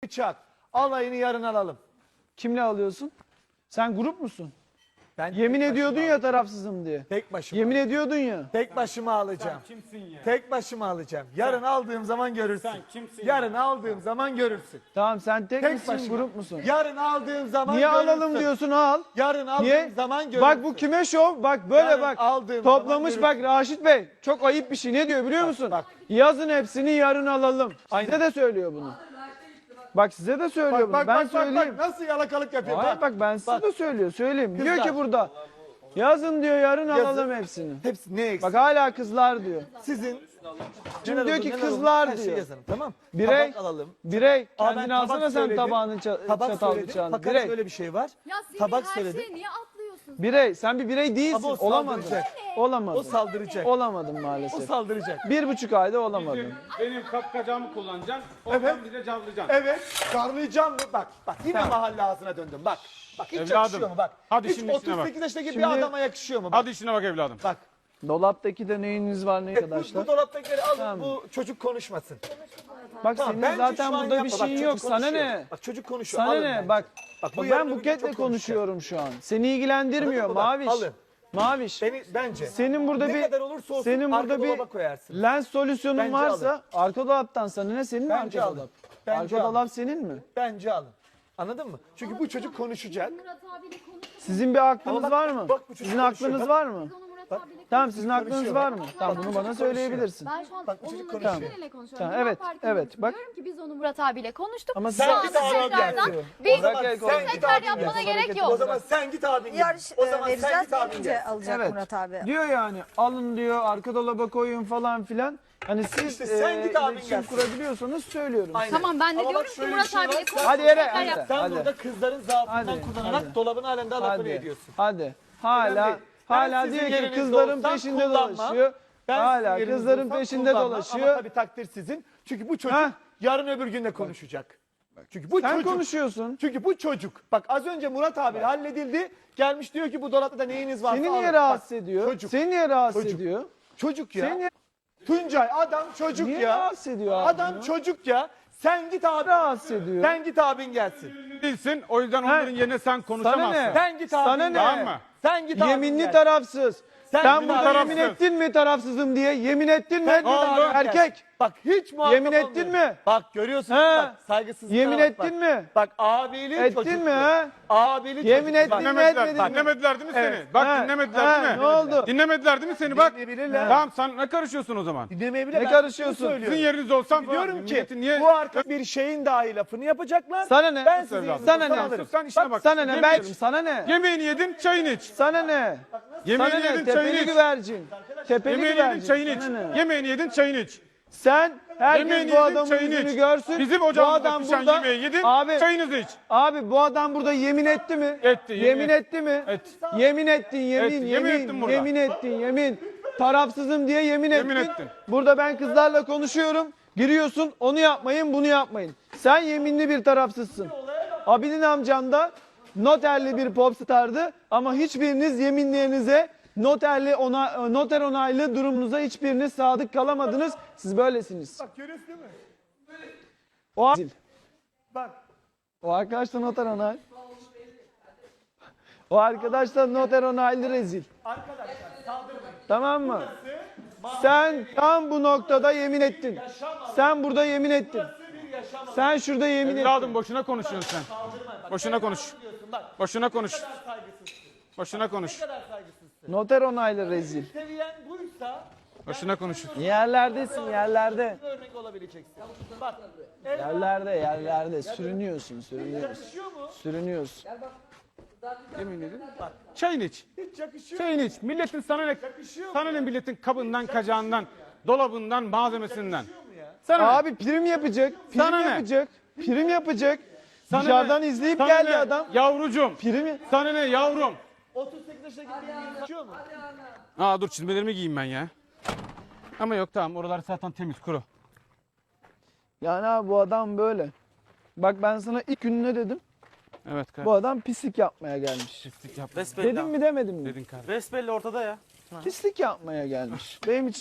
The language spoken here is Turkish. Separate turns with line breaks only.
bıçak. Alayını yarın alalım.
Kimle alıyorsun? Sen grup musun?
Ben
Yemin
tek
ediyordun
başıma
ya
alacağım.
tarafsızım diye.
Tek başıma.
Yemin ediyordun ya.
Tek başıma alacağım.
Kimsin ya?
Tek başıma alacağım. Yarın aldığım zaman görürsün.
Sen kimsin
Yarın aldığım zaman görürsün.
Tamam sen tek
Tek
misin
başıma.
grup musun?
Yarın aldığım zaman
Niye
görürsün.
alalım diyorsun al.
Yarın aldığım
Niye?
zaman görürsün.
Bak bu kime şov? Bak böyle
Yarın
bak.
aldığım
Toplamış
zaman
bak Raşit Bey. Çok ayıp bir şey. Ne diyor biliyor musun?
bak.
Yazın hepsini yarın alalım. Size de söylüyor bunu. Bak size de söylüyor bunu.
Bak,
Ben
bak, bak,
söyleyeyim.
bak, nasıl yalakalık yapıyor.
Hayır bak ben size
Bak.
de söylüyor. Söyleyeyim. Diyor
Kızlar.
ki burada. Yazın diyor yarın alalım hepsini.
Hepsi ne eksik?
Bak hala kızlar diyor.
Sizin
Şimdi diyor ki
neler
kızlar
olur, her şeyi
diyor.
yazalım, tamam.
Birey,
Tabak alalım.
birey
Aa, ben
kendini
tabak
alsana sen
söyledim.
tabağını
Tabak
çatal
söyledim.
bıçağını.
Fakat
Birey,
böyle bir şey var.
Ya Semih
Tabak
her
söyledim.
şeye niye atlıyorsun?
birey. Sen bir birey değilsin.
Ama o
Olamadın.
saldıracak.
Olamadın.
O saldıracak.
Olamadın
O
maalesef.
saldıracak.
1,5 ayda olamadın.
Benim kapkacağımı kullanacaksın. Oradan bize cavlayacaksın.
Evet. Darlayacağım mı? Bak. Bak yine mahalle ağzına döndüm. Bak. Bak hiç
Evladım,
yakışıyor mu? Bak.
hadi
hiç
şimdi işine bak.
38 yaşındaki
Şimdi-
bir adama yakışıyor mu? Bak.
Hadi işine bak evladım.
Bak.
Dolaptaki de neyiniz var ne
Bu
arkadaşlar?
dolaptakileri alın.
Tamam.
Bu çocuk konuşmasın.
Bak
Tamam,
senin
bence
zaten
şu an
burada bir
yapma. Bak,
şeyin
çocuk
yok. Sana
konuşuyor.
ne?
Bak çocuk konuşuyor.
Sana
Alın
ne?
bence.
Bak.
Bak, bu
Bak
yarın
ben
öbür gün
Buket'le
çok
konuşuyorum şu an. Seni ilgilendirmiyor
Anladın mı? Bak,
Maviş.
alın.
Maviş.
Bence.
Senin burada
ne
bir
kadar olursa olsun
senin
arka
burada bir
dolaba koyarsın.
lens solüsyonun
Bence
varsa arka dolaptan sana ne senin mi
Bence
arka
alın.
dolap?
Bence
Arka
alın.
dolap senin mi?
Bence alın. Anladın mı? Çünkü bu çocuk konuşacak.
Murat abiyle konuşalım.
Sizin bir aklınız
Ama bak,
var mı?
bak bu çocuk
Sizin
konuşuyor,
aklınız
bak.
var mı?
Biz onu Murat abiyle
Tamam sizin
konuşuyor,
aklınız
bak.
var mı? Tamam bunu bana söyleyebilirsin.
Ben şu an
Bak, bu çocuk
onunla
konuşuyor.
Gülşen'le konuşuyorum.
Tamam,
Cevap
evet,
verken
evet, bak.
diyorum ki biz onu Murat abiyle konuştuk.
Ama
Şu
sen
anda
git abi
tekrardan
gel.
biz
O zaman sen
tekrar
git abi
yapmana
gel.
gerek
O
yok.
zaman sen git abin gel.
Yarış
O zaman sen
vereceğiz
git abin
gelince
gel.
alacak
Evet.
Murat abi.
Diyor yani alın diyor arka dolaba koyun falan filan. Hani siz
İşte sen git abin
iletişim
gel.
kurabiliyorsanız söylüyorum.
Aynen.
Tamam ben de
Ama bak
diyorum ki
şöyle bir
Murat
şey var,
abiyle
sen-
konuştuk.
Hadi yere,
tekrar
hadi.
yap.
Sen burada kızların zaafından
Hadi,
kullanarak
hadi.
dolabın halinden lafını
Hadi.
ediyorsun.
Hadi. Hala
Önemli. Ben
hala
sizin
diyor ki
yerinizde
kızların
olsam
peşinde
kullanmam.
dolaşıyor.
Ben sizin
Hala
yerinizde
kızların
olsam
peşinde
kullanmam.
dolaşıyor.
Ama tabii takdir sizin. Çünkü bu çocuk
Ha?
yarın öbür gün de konuşacak. Çünkü bu
Sen
çocuk.
konuşuyorsun.
Çünkü bu çocuk. Bak az önce Murat abi halledildi. Gelmiş diyor ki bu dolapta da neyiniz varsa
Seni
alın.
niye
Bak,
rahatsız ediyor?
Çocuk.
Seni niye rahatsız
Çocuk.
ediyor?
Çocuk ya.
Seni niye,
Tuncay adam çocuk
niye
ya.
rahatsız ediyor abi?
Adam
bunu?
çocuk ya. Sen git abi.
rahatsız ediyor.
Sen git abin gelsin.
Değilsin. O yüzden onların yerine sen
Sana
konuşamazsın.
ne?
Sen git abin
Sana ne?
gel.
Tamam mı?
Sen git abin
Yeminli
gel.
tarafsız.
Sen
Sen
bir
burada
tarafsız.
yemin ettin mi tarafsızım diye? Yemin ettin mi?
Sen git
oldu?
abin gel.
Erkek.
Bak hiç muhatap
Yemin ettin
olmuyor.
mi?
Bak görüyorsun
He.
bak saygısızlıklara
Yemin
bak,
ettin
bak.
mi?
Bak abilik
Ettin
çocukluğu.
mi ha?
Abilik
Yemin
çocukluğu.
ettin
Bak,
mi?
Dinlemediler,
etmedin mi?
dinlemediler değil mi
Evet.
seni? Bak
Ha,
dinlemediler
ha,
değil mi?
ne oldu?
Dinlemediler değil mi seni? Bak.
Dinleyebilirler.
Tamam sen ne karışıyorsun o zaman?
Dinlemeyebilir.
Ne
Ben
karışıyorsun?
şunu söylüyorum.
Sizin yerinizde olsam falan.
Diyorum ki
Milletin niye...
bu arka bir şeyin dahi lafını yapacaklar.
Sana ne?
Ben sizin
Evladım.
yerinizde
Sana
olsam
ne?
alırım.
Sen işine bak.
Sana ne?
Yemeyelim.
Belki sana ne?
Yemeğini yedin, çayını iç.
Sana ne?
Yemeğini
Sana ne?
yedin, çayını
Tepeli
iç.
güvercin. Tepeli
Yemeğini yedin,
güvercin.
çayını iç.
Sana ne?
Yemeğini yedin, çayını iç.
Sen herkes
Yemeğini
bu
yedin,
adamın
çayını
yüzünü
iç.
görsün.
Bizim
Bu
ocağımızda
adam
pişen
burada.
yemeği yedin,
Abi,
çayınızı iç.
abi bu adam burada yemin etti mi?
Etti,
Yemin etti mi?
Etti.
Yemin ettin, yemin,
Etti, yemin ettim
yemin,
burada.
yemin ettin, yemin. Tarafsızım diye yemin
Yemin
ettin.
ettim.
Burada ben kızlarla konuşuyorum. Giriyorsun, onu yapmayın, bunu yapmayın. Sen yeminli bir tarafsızsın. Abinin amcan da noterli bir popstardı ama hiçbiriniz yeminlerinize noter onaylı durumunuza hiçbiriniz sadık kalamadınız. Siz böylesiniz.
Bak görüyorsun değil mi?
O,
Bak.
o arkadaş da noter onay. O arkadaş da noter onaylı rezil.
Arkadaşlar saldırmayın.
Tamam mı? Sen tam bu noktada yemin ettin. Sen burada yemin ettin. Sen şurada yemin ettin.
Evladım boşuna konuşuyorsun sen. Boşuna konuş. Boşuna konuş. Boşuna konuş.
Noter onaylı rezil.
Seviyen buysa
Boşuna konuş.
Yerlerdesin, yerlerde.
örnek olabileceksin. Bak.
Yerlerde. Sürünüyorsun. Sürünüyorsun.
Yemin edin. Çayını iç.
Hiç yakışıyor.
Çayını iç. Milletin sana ne? Sana ne milletin kabından, kacağından, dolabından, malzemesinden. Sana ne?
Abi prim yapacak.
Sana ne?
Prim yapacak.
Sana
Dışarıdan
ne?
izleyip
Sana
geldi
ne?
adam.
Yavrucuğum.
Prim.
Sana ne yavrum?
38 yaşındaki bir yakışıyor mu?
Aa dur çizmelerimi giyeyim ben ya. Ama yok tamam oralar zaten temiz kuru.
Yani abi bu adam böyle. Bak ben sana ilk gün ne dedim?
Evet
Bu
kardeşim.
adam pislik yapmaya gelmiş.
Pislik yap
Dedim mi demedim mi?
dedin kardeşim.
Besbelli ortada ya.
Pislik yapmaya gelmiş. Benim için